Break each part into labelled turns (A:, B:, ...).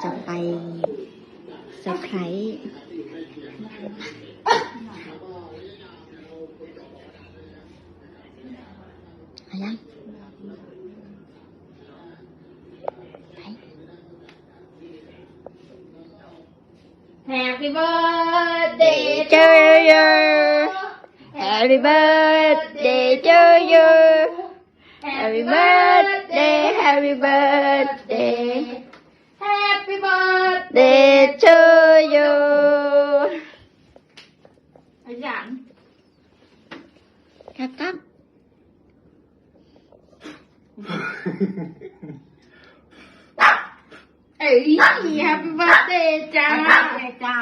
A: จะไปเซอร์ไพรส์อะไรยังไป
B: Happy birthday
A: to you Happy birthday to you Happy birthday Happy birthday
B: Happy birthday
A: Day to you
B: ไอ้หยัน
A: ครับครับ
B: เอ้ย Happy birthday จ้า
A: จ้า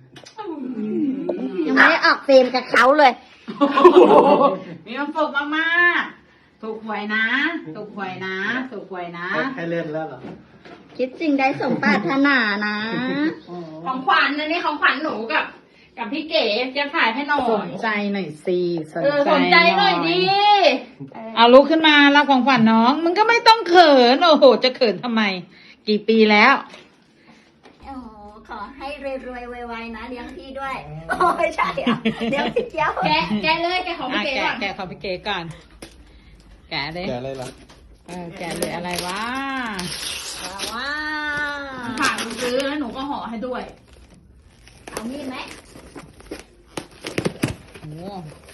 A: ยังไม่ได้ออกเฟรมกับเขาเลย
B: มีความสุขมากๆถูกหวยนะถูกหวยนะถูกหวยนะ
C: ให้เล่นแล้วเหรอ
A: คิดสิ่งใดสมปรารถนานะ
B: ของขวัญอันนี้ของขวัญหนูกับพี่เก๋จะถ่ายให้หน่อย
D: สนใจหน่อยสิ
B: สนใจหน่อยดิ
D: เอาลุกขึ้นมารับของขวัญน้อง มึงก็ไม่ต้องเขิน โอ้โห จะเขินทำไม กี่ปีแล้ว
A: โอ้ขอให้รวยๆไวๆนะเลี้ยงพี่ด้วย โอ้ไม่ใช่อ่ะเลี้ยงพี่เกี้ยว
B: แกะเลยแกะของพี่เก๋ก่อน
D: แกะของพี่เก๋ก่อน แกะเลย
C: แกอะไรล่ะ
D: แกะเลยอะไรวะ
A: ว้า
B: ฝากหนูซื้อแล้วหนูก็ห่อให้ด้วย
A: เอามีดไหม
D: โอ้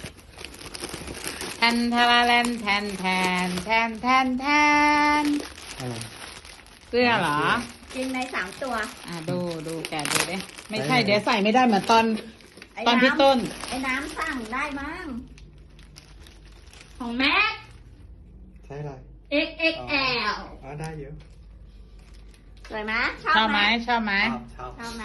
D: แทนทาราแลนแทนแทนแทนแทนแทน
C: อะไร
D: เสื้อเหรอ
A: จริงใน3 ตัว
D: ดูแกะดูดิไม่ใช่ เดี๋ยวใส่ไม่ได้เหมือนตอนพี่ต้น
A: ไอ้น้ำสั่งได้มั้ง
B: ของแม็ก
C: ใช่อะไร
B: XXL
C: อ๋อได้เยอะ
A: สวยไหม
D: ชอบไหมชอบไหม
C: ชอบ
A: ชอบไหม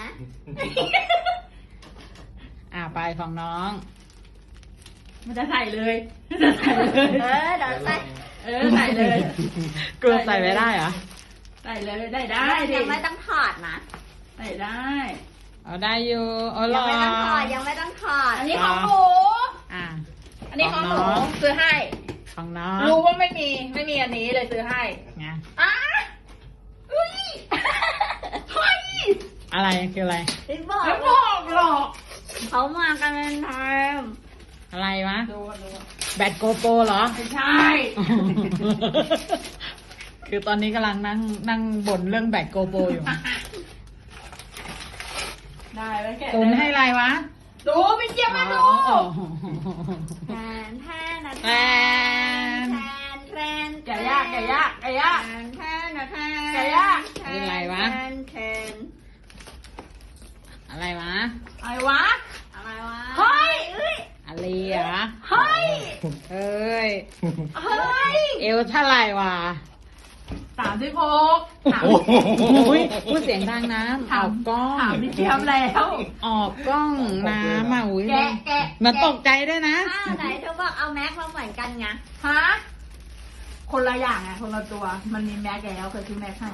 D: ไปของน้อง
B: มันจะใส่เลยมันจะใส่เลย
A: เดี๋ยวใส่
B: ใส่เลย
D: กลัวใส่ไม่ได้เหรอ
B: ใส่เลยได้ดิ
A: ยังไม่ต้องถอดนะ
B: ใส่ได้
D: เอาได้อยู่เอาหร
A: ยัง
D: อ
A: ไม่ต้องถอดยังไม่ต้องถอด
B: อันนี้ของหนู
D: อ่ะ
B: อันนี้ของหนู
D: ของน้อง
B: ซื้อให้
D: ของน้อง
B: รู้ว่าไม่มีอันนี้เลยซื้อให้
D: ไง
B: อ้าอุ้ยเฮ้ย
D: อะไรคืออะไร
A: พี่บอก
B: ไม่บอกหรอก
A: เขามากันเป็นทีม
D: อะไรวะ
B: ดู
D: แบตโกโปรเหรอ
B: ไม่ใช่
D: คือตอนนี้กำลังนั่งบ่นเรื่องแบตโกโปรอยู่
B: ได้แล้วแกะ
D: ตุนให้อะไรวะ
B: ดูพี่เจี๊ยบมาดู
A: แทนแทนนะ
D: แทน
A: แทน
B: แกะยากแกะยากแกะยาก
A: แทนแทนนะแทน
B: แกะยาก
D: คืออะไรวะ
A: แทนแทน
D: อะไรวะ
B: อะไรวะ
A: อะไรวะ
B: เฮ้ย
D: อะไรเหรอ
B: เฮ้ย
D: เอ้ย
B: เฮ้ย
D: เอวเท่าไหร่วะ
B: 36ถาม
D: อุ้ยพูดเสียงดังนะออกกล้อง
B: ถามพี่เจี๊ยบแล้ว
D: ออกกล้องน้ำอ่ะอุ้ย
B: แกะ
D: มันตกใจด้วยนะ
A: ไหนเธอบอกเอาแม็กมาเหมือนกันไง
B: ฮะคนละอย่างไงคนละตัว มันมีแม็กแล้วเคยซื้อแม็กให้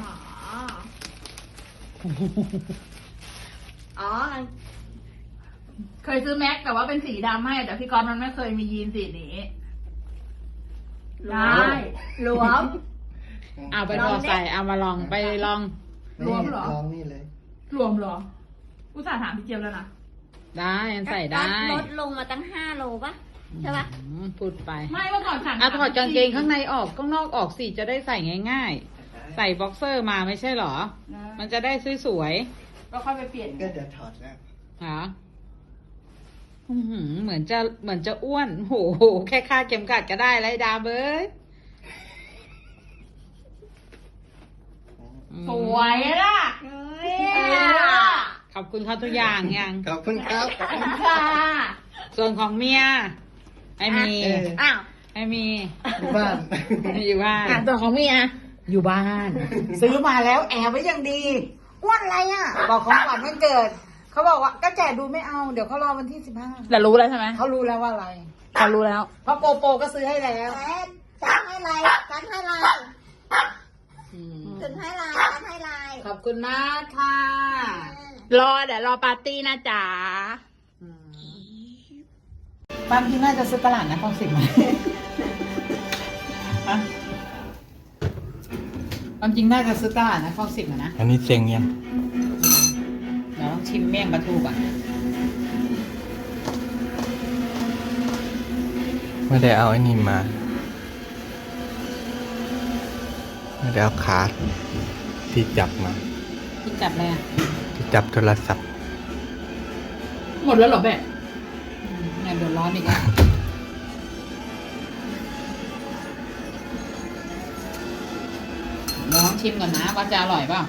A: อ๋อ
B: เคยซื้อแม็กแต่ว่าเป็นสีดำให้แต่พี่กรณ์มันไม่เคยมียีนสีนี้ได้
A: หลวม
D: เอาไปพอใส่เอามาลองไปลอง
B: รวมเหรอ
C: ลองนี่เลย
B: รวมเหรออุตส่าห์ถามพี่เจี๊ยบแล้วนะ
D: ได้มันใส่ได้
A: ลดลงมาตั้ง5 โลป่ะ ใช่ป่ะ
D: พูดไป
B: ไม่เมื่อก่อนสั่ง
D: ถอดกางเกงข้างในออกข้างนอกออกสิจะได้ใส่ง่ายๆ ใส่บ็อกเซอร์มาไม่ใช่เหรอ มันจะได้สวย
B: ก็ค่อยไปเปลี่ยน
C: ก็เดี๋ยวถอดแล้ว
D: ๆหรอเหมือนจะอ้วนโหแค่คาดเข็มขัดก็ได้ไรดาเบิร์ด
B: สวยล่ะ
A: เฮ้ย
D: ขอบคุณเขาทุกอย่างยัง
C: ขอบคุณครับ
B: ค่ะ
D: ส่วนของเมียไม่มี
A: อ้าว
D: ไม่มี
C: อยู่บ้าน
D: อยู่บ้าน
A: ตัวของเมีย
D: อยู่บ้าน ซื้อมาแล้วแอบไว้อย่างดีอ้วนอะไรอ่ะ บอกของขวัญวันเกิด เขาบอกว่าก็แจกดูไม่เอา เดี๋ยวเขารอวันที่15
B: แต่รู้แล้วใช่ไหม
D: เขารู้แล้วว่าอะไร
B: เขารู้แล้ว
D: เพราะโกโปก็ซื้อให้แล้ว
A: จัดให้ไรจัดให้ไรถึงให้ไรจัดให้ไร
D: ขอบคุณมากค่ะ
B: เดี๋ยวรอปาร์ตี้นะจ๊ะ
D: บางทีน่าจะซื้อตลาดนะคลอง10ไหมความจริงน่าจะซื้อตลาดนะคลอง10นะ
C: อันนี้เซ็งยัง
D: เราต้องชิมเมี่ยงปลาทูก่อน
C: ไม่ได้เอาไอ้นี่มา ไม่ได้เอาขาที่จับมา
D: ที่จับอะไรอ่ะ
C: ที่จับโทรศัพท์
B: หมดแล้วเหรอแม่
D: งานเดือดร้อนอีกอ่ะลองชิมก่อนนะว่าจะอร่อยเปล่า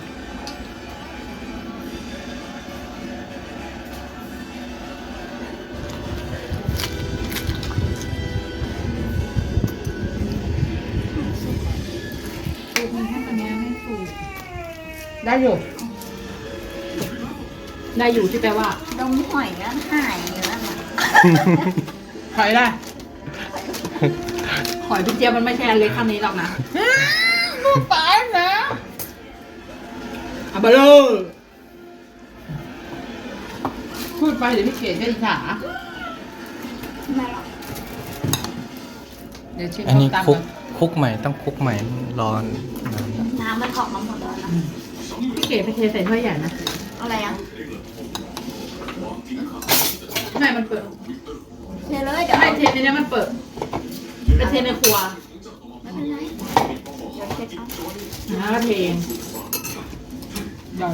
D: สูตรมันให้ตัวนี้ไม่ถูกได้อยู่
B: ได้อยู่ที่แปลว่า
A: ดมหอยก็หายแล้วนะ
B: หอยได้หอยพี่เจี๊ยบมันไม่ใช่อันเล็กคำนี้หรอกนะ
D: ลูกปลานะ
B: อาบาโลพูดไปเดี๋ยวพี่เกดก็อิจฉา
A: ไม่หรอก
D: เดี๋ยวชิม
C: อันนี้
D: ส้มตำ
C: คุก
D: ก่อน
C: คุกใหม่ต้องคุกใหม่ร้อน
A: น้ำมันออกมาหมดแล้วนะ
B: พี่เกดไปเทใส่ถ้วยใหญ่นะ
A: อะไรอ่ะ
B: ไม่มันเปิด
A: เทเลยเดี๋ยว
B: ไม่เทในนี้มันเปิดไปเทในครัว
A: ไม่เป็นไรเดี๋ยวเช็ดเอา
B: แล้วก็เทเอง
D: ใหญ่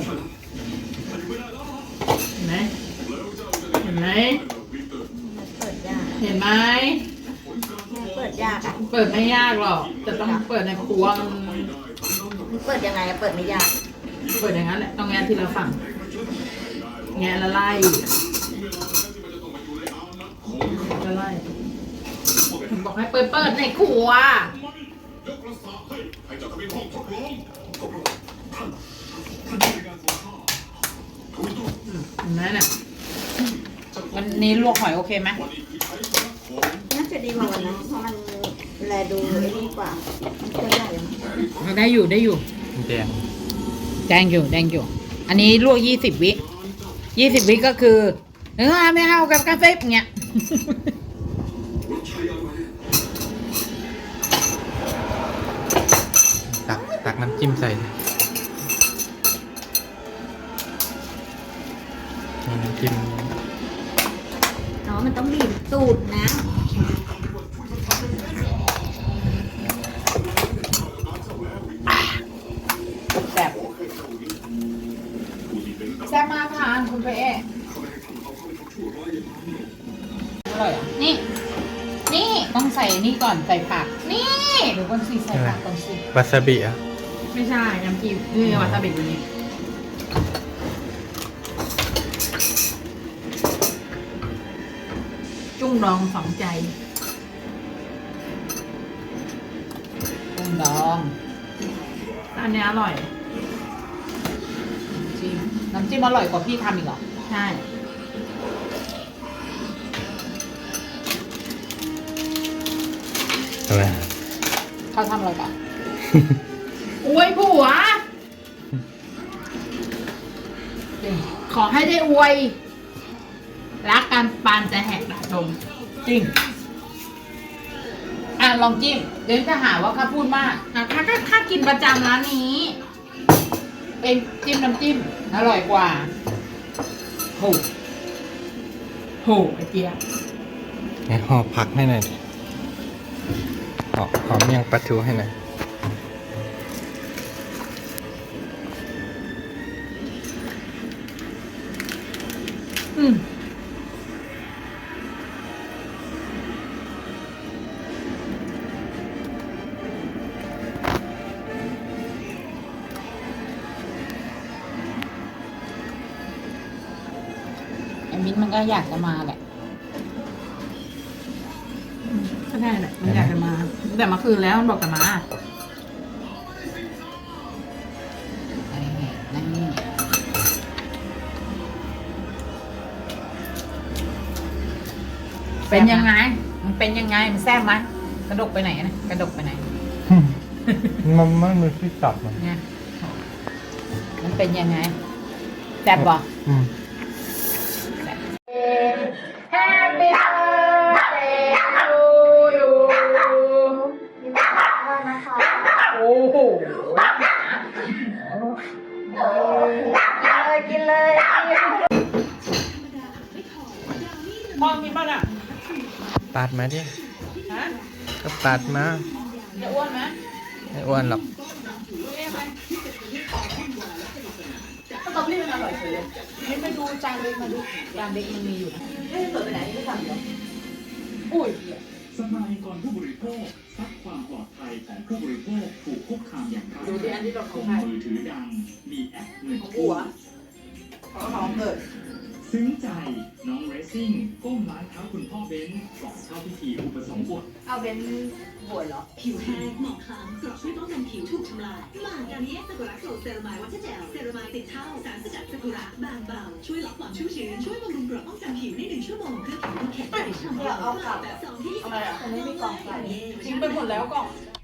B: เห็นไหมเห็นไหม
A: มันเปิดยาก
B: เห็นไหม
A: มันเปิดยากอ่ะ
B: เปิดไม่ยากหรอกแต่ต้องเปิดในครัวมัน
A: มันเปิดยังไงอะเปิดไม่ยาก
B: เปิดอย่างนั้นแหละต้องแงะทีละฝั่งแงะแล้วไล่แล้วไล่ผมบอกให้เปิดในครัวเห็นไหมเนี่ย
D: วันนี้ลวกหอยโอเคไหม
A: น่าจะดีกว่าวันนั้นเพราะมันแลดูไอ้นี่กว่ามันตัวใหญ่มั้ง
D: ได้อยู่ได้อยู่
C: แดง
D: แดงอยู่แดงอยู่ อันนี้ลวก20 วิ20 วิก็คือไม่เอากับกาแฟอย่างเงี้ย
C: ตักน้ำจิ้มใส่นี่น้ำจิ้ม
A: อ๋อมันต้องบีบตูดนะ
D: แซ่บแซ่บมากค่ะคุณเป๊ะอร่อยอ่ะนี่ นี่ต้องใส่นี่ก่อนใส่ผัก นี่เดี๋ยวก่อนสิใส่ผักก่อนสิ
C: วาซาบิอ่ะ
B: ไม่ใช่น้ำจิ้มนี่วาซาบิตัวนี้จุ้งดองฝังใจ
D: กุ้งดอง
B: อันนี้อร่อย
D: น้ำจิ้มอร่อยกว่าพี่ทำอีกเหรอ
B: ใช่
C: อะไร
D: เขาทำอะไรก่อน
B: อวยผัว
D: จริง
B: ขอให้ได้อวย รักกันปานจะแหกดม
D: จริงอ่ะลองจิ้มเดี๋ยวจะหาว่าข้าพูดมาก
B: ถ้ากินประจำร้านนี้
D: เป็นจิ้มน้ำจิ้มอร่อยกว่าโห
B: โหไอเจีย
C: ให้ห่อผักให้หน่อยดิห่อเมี่ยงปลาทูให้หน่อย
B: อืม
D: ไอ้มิ้นท์มันก็อยากจะมาแหละ
B: ก็ได้แหละมันอยากจะมาตั้งแต่เมื่อคืนแล้วมันบอกจะมา
D: นี่เป็นยังไง มันเป็นยังไง มันแซ่บไหมกระดกไปไหนนะกระดกไปไหน
C: มันไม่มีที่จับมัน
D: เนี่ยมันเป็นยังไงแซ่บบ่
C: อืม
B: Happy birthday to you โอ้โห
A: กินเลยกินเลย
C: ปาดมาดิ
B: ฮะ
C: ก็ปาดมา
B: จะอ้วนไหม
C: ไม่อ้วนหรอก
B: สตรอเบอรี่มันอร่อยเฉยเลย
D: นี่มาดูจานเล็กมาดูจานเล็กมันมีอยู่นะ
B: ไม่ได้เปิดไปไหนไม่ทำเดี๋ยวอุ้ย
E: สมาคมผู้บริโภคซักความปลอดภัยของผู้บริโภคถูกคุกคามอย่างร้าย
B: ดูที่อันที่เรา
E: ข
B: ข
E: อ
B: อง งใคร
E: มือถือดัง มีแอปเงิน
B: ของ
E: กู้
B: หัวของน้องเกิด
E: ซึ้งใจน้องเรซซิ่งก้มล้างเท้าคุณพ่อเบนซ์ก่อนเข้าพิธีอุปสมบท
B: เอาเป็นบวชเหรอ
F: ผิวแห้งหมองคล้ำกรอบช่วยป้องกันผิวถูกทำลายมาการนี้ซากุระโกลด์เซรามายวัชเจลเซรามายติดเท่าสารสกัดซากุระบางเบาช่วยลดความชุ่มชื้นช่วยบำรุงกรอบป้องกันผิวใน1 ชั่วโมงเพื่อผิวที่แข็งแรงฉ่ำเยาว์แบบ2ที่
B: ทำไมอ่ะ
F: มันไม่มีกล่องใส่
B: ทิ้งไปหมดแล้วกล่อง